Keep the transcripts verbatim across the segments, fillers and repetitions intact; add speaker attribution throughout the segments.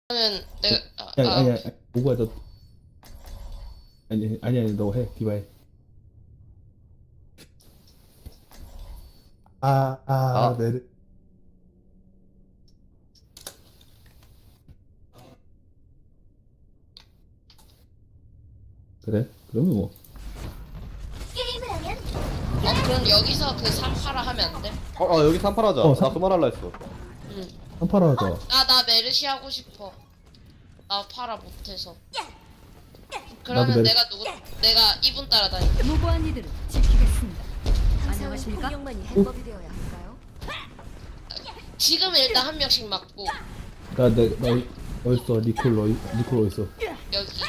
Speaker 1: 그러면 내가 아,
Speaker 2: 아니
Speaker 1: 아,
Speaker 2: 아니 아니 오구야 너 아니 아니 아니 너 해 디바 해. 아, 아,
Speaker 3: 아,
Speaker 2: 메르. 그래? 그러면 뭐.
Speaker 4: 게임을 하면
Speaker 1: 어 그럼 여기서 그 삼파라 하면 안 돼?
Speaker 3: 어, 어 여기 삼팔하자.
Speaker 2: 어,
Speaker 3: 나
Speaker 2: 삼-
Speaker 3: 그 말 할라 했어.
Speaker 1: 응.
Speaker 2: 한파라 하자.
Speaker 1: 아 나 메르시 하고 싶어. 나 파라 못해서. 그러면
Speaker 2: 메르시.
Speaker 1: 내가 누구 내가 이분 따라다니.
Speaker 5: 무고한 이들을 지키겠습니다.
Speaker 4: 항상
Speaker 5: 안녕하십니까?
Speaker 4: 공룡만이 해법이 되어야 할까요?
Speaker 1: 지금 일단 한 명씩 맞고
Speaker 2: 나, 내, 나, 어딨어? 니콜, 너, 니콜 어딨어?
Speaker 1: 여기.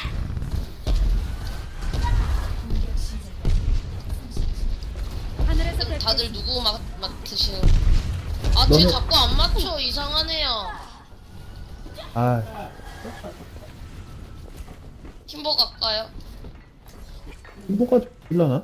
Speaker 5: 하늘에서
Speaker 1: 그럼
Speaker 5: 별
Speaker 1: 다들 누구 맡 맡으시는? 아, 쟤
Speaker 2: 너는-
Speaker 1: 자꾸 안 맞춰. 이상하네요.
Speaker 2: 아,
Speaker 1: 팀버 갈까요?
Speaker 2: 뭐가 일라나?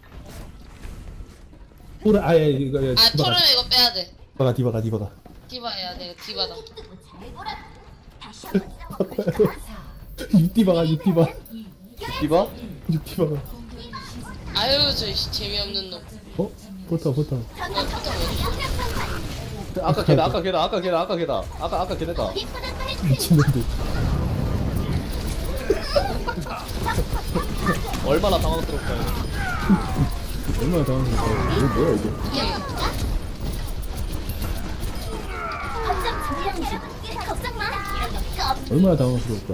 Speaker 2: 그래, 아예, 이거, 이거,
Speaker 1: 아,
Speaker 2: 디바가,
Speaker 1: 토르는 이거 빼야 돼.
Speaker 2: 디바가, 디바가, 디바가.
Speaker 1: 디바야, 내가 디바다.
Speaker 4: 다시 한번
Speaker 2: 육디바가, 육디바.
Speaker 3: 디바?
Speaker 2: 육디바가.
Speaker 1: 아유, 저 씨, 재미없는 놈.
Speaker 2: 어? 포터, 포터.
Speaker 1: 아, 포탑 어디?
Speaker 3: 아까 걔다, 아까 걔다, 아까 걔다, 아까 걔다. 아까 아까 걔네다.
Speaker 2: 미친놈들.
Speaker 3: 얼마나 당황스럽까요?
Speaker 2: 얼마나 당황스럽다. 이거 뭐야, 이게?
Speaker 4: 걱정 불량 중 걱정 마.
Speaker 2: 얼마나 당황스럽다.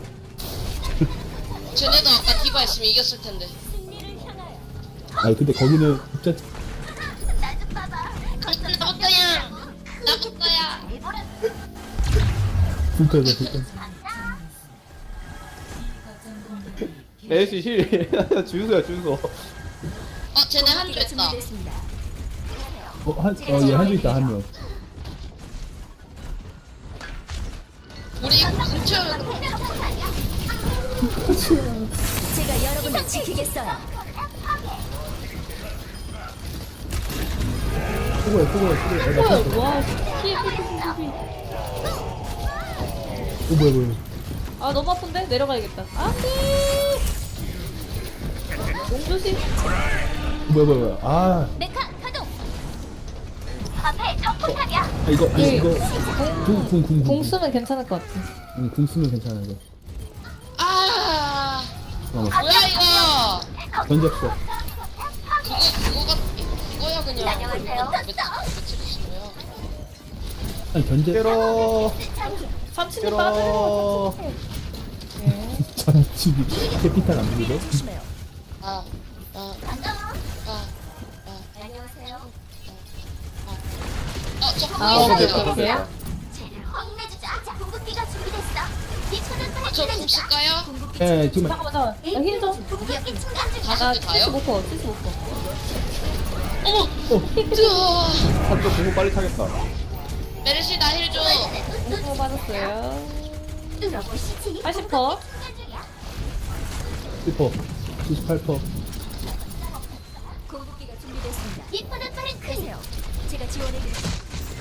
Speaker 1: 쟤네도 아까 디바 했으면 이겼을 텐데.
Speaker 2: 아니, 근데 거기는 진짜
Speaker 4: 나좀 봐봐.
Speaker 1: 나부터야! 나부터야!
Speaker 2: 불편해, 불편.
Speaker 3: 에이씨 힐. 주유소야 주유소.
Speaker 1: 어, 쟤네 한조 있다.
Speaker 4: 준비됐습니다.
Speaker 2: 어, 한, 어, 얘 한줄 있다, 한 명.
Speaker 1: 우리 이거 뭉쳐면
Speaker 4: 제가 여러분을 지키겠어요.
Speaker 2: 수고해, 수고해, 수고해. 어, 나 탔어.
Speaker 6: 와, 피해, 피해, 피해, 피해.
Speaker 2: 어, 뭐야, 뭐야.
Speaker 6: 아, 너무 아픈데? 내려가야겠다. 안 돼! 용조심.
Speaker 2: 뭐야, 뭐야, 뭐야. 아,
Speaker 4: 메카 가동. 앞에 적포탑이야.
Speaker 2: 아, 이거, 아니,
Speaker 6: 예.
Speaker 2: 이거. 궁, 궁, 궁,
Speaker 6: 공 쓰면 괜찮을 것 같아.
Speaker 2: 응, 궁 쓰면 괜찮아, 이거.
Speaker 1: 아,
Speaker 2: 잠깐만.
Speaker 1: 뭐야 이거?
Speaker 2: 던졌어.
Speaker 1: 그거 그거가 그거야 그냥.
Speaker 4: 안녕하세요.
Speaker 1: 며칠이신 거야?
Speaker 2: 아니, 견제.
Speaker 3: 깨러.
Speaker 6: 삼촌이 빠져요.
Speaker 3: 깨러.
Speaker 2: 잠치기. 캐피탈 안 부리고?
Speaker 4: 조심해요.
Speaker 1: 아, 아,
Speaker 4: 반가워.
Speaker 1: 아,
Speaker 4: 안녕하세요.
Speaker 1: 어, 저
Speaker 6: 아,
Speaker 1: 보이세요?
Speaker 6: 오케이,
Speaker 3: 됐다,
Speaker 6: 오케이.
Speaker 3: 됐다.
Speaker 4: 쟤를 혼내주자. 자, 궁극기가 준비됐어. 비천을
Speaker 1: 아, 저궁 쓸까요?
Speaker 2: 예, 지금.
Speaker 6: 잠깐만, 잠깐만. 나 힐 좀.
Speaker 4: 궁극기 충전 중.
Speaker 1: 다섯
Speaker 6: 나
Speaker 1: 개 다요?
Speaker 6: 칠십오 퍼, 칠십오 퍼.
Speaker 1: 어머, 뜨아.
Speaker 3: 한쪽 공부 빨리 차겠다.
Speaker 1: 메르시 나 힐 줘.
Speaker 6: 오 퍼 맞았어요.
Speaker 4: 뚫어보시지.
Speaker 6: 팔십 퍼.
Speaker 4: 충전 중이야.
Speaker 2: 칠 퍼. 칠십팔 퍼.
Speaker 4: 궁극기가 준비됐습니다. 이쁘는 빠른 크세요. 제가 지원해드릴게요.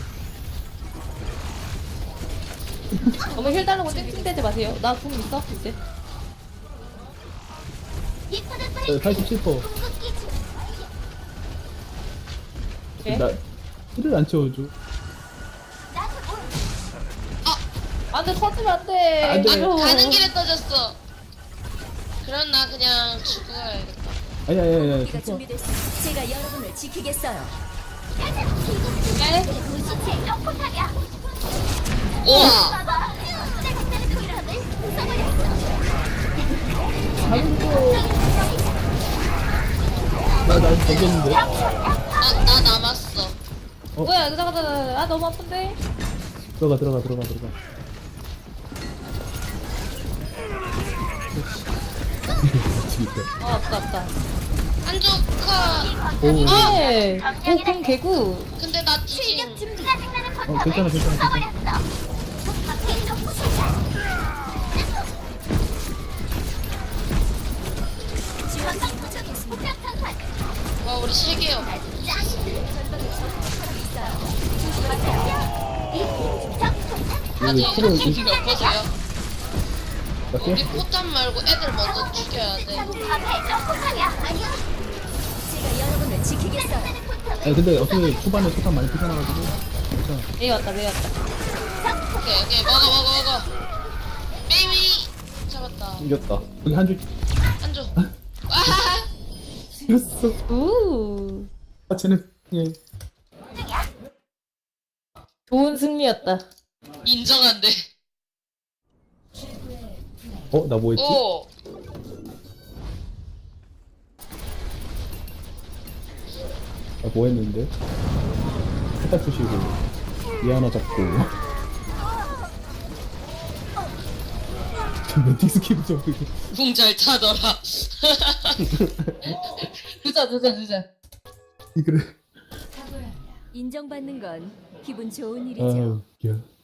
Speaker 6: 너무 힐 달라고 찡찡대지 마세요. 나 궁 있어, 이제.
Speaker 4: 이쁘는
Speaker 2: 어,
Speaker 4: 빠른
Speaker 2: 팔십칠 퍼.
Speaker 4: 궁극기 중.
Speaker 6: 오케이.
Speaker 2: 나, 힐을 안 채워줘.
Speaker 4: 나도 뭘
Speaker 6: 안 돼, 터지면 안 돼.
Speaker 2: 안 돼.
Speaker 6: 아유.
Speaker 1: 가는 길에 떠졌어. 그럼 나 그냥 죽어야겠다.
Speaker 2: 아니, 아니, 아니, 아니.
Speaker 4: 궁극기가 준비됐습니다. 제가 여러분을 지키겠어요.
Speaker 6: 네?
Speaker 4: 도시체 적포탑이야.
Speaker 1: 우와.
Speaker 4: 봐봐. 내가 때는 그람을 써버렸어.
Speaker 2: 나, 나 던졌는데?
Speaker 1: 나, 나 남았어.
Speaker 2: 어?
Speaker 6: 뭐야, 이거 잠깐, 잠깐. 아, 너무 아픈데?
Speaker 2: 들어가, 들어가, 들어가, 들어가. 미치겠다.
Speaker 6: 아, 아프다, 아프다.
Speaker 1: 한조카.
Speaker 2: 오,
Speaker 6: 네. 오, 공 개구.
Speaker 1: 근데 나 뒤진.
Speaker 4: 준비. 짜증나는
Speaker 2: 어, 괜찮아, 괜찮아, 괜찮아.
Speaker 4: 써버렸어. 밖에 적포탑이야. 지원방 도착했습니다. 폭격탄
Speaker 1: 와, 우리 세 개요.
Speaker 4: 전방에 적포탑이 있어요. 조심하세요. 이 적포탑
Speaker 1: 아니
Speaker 2: 프로
Speaker 1: 여보세요.
Speaker 2: 어때?
Speaker 1: 우리 포탄 말고 애들 먼저 죽여야 돼.
Speaker 4: 제가 여러분을 지키겠어요.
Speaker 2: 아니 근데 어차피 초반에 초반 많이 피잖아가지고 괜찮아.
Speaker 6: 메이 왔다 메이 왔다.
Speaker 1: 오케이 오케이 먹어 먹어 먹어. 베이비 잡았다.
Speaker 3: 이겼다.
Speaker 2: 여기 한 줄
Speaker 1: 안줘. 아
Speaker 2: 찍었어.
Speaker 6: 우
Speaker 2: 아 쟤는 예.
Speaker 6: 좋은 승리였다.
Speaker 1: 인정한데.
Speaker 2: 어? 나 뭐 했지?
Speaker 1: 오.
Speaker 2: 나 뭐 했는데? 해달 푸시고 얘 하나 잡고 멘티 스킵 좀 그게
Speaker 1: 궁잘 타더라.
Speaker 6: 주자 주자 주자.
Speaker 2: 그래.
Speaker 4: 인정받는 건 기분 좋은
Speaker 2: 아
Speaker 4: 일이죠.
Speaker 2: 웃겨.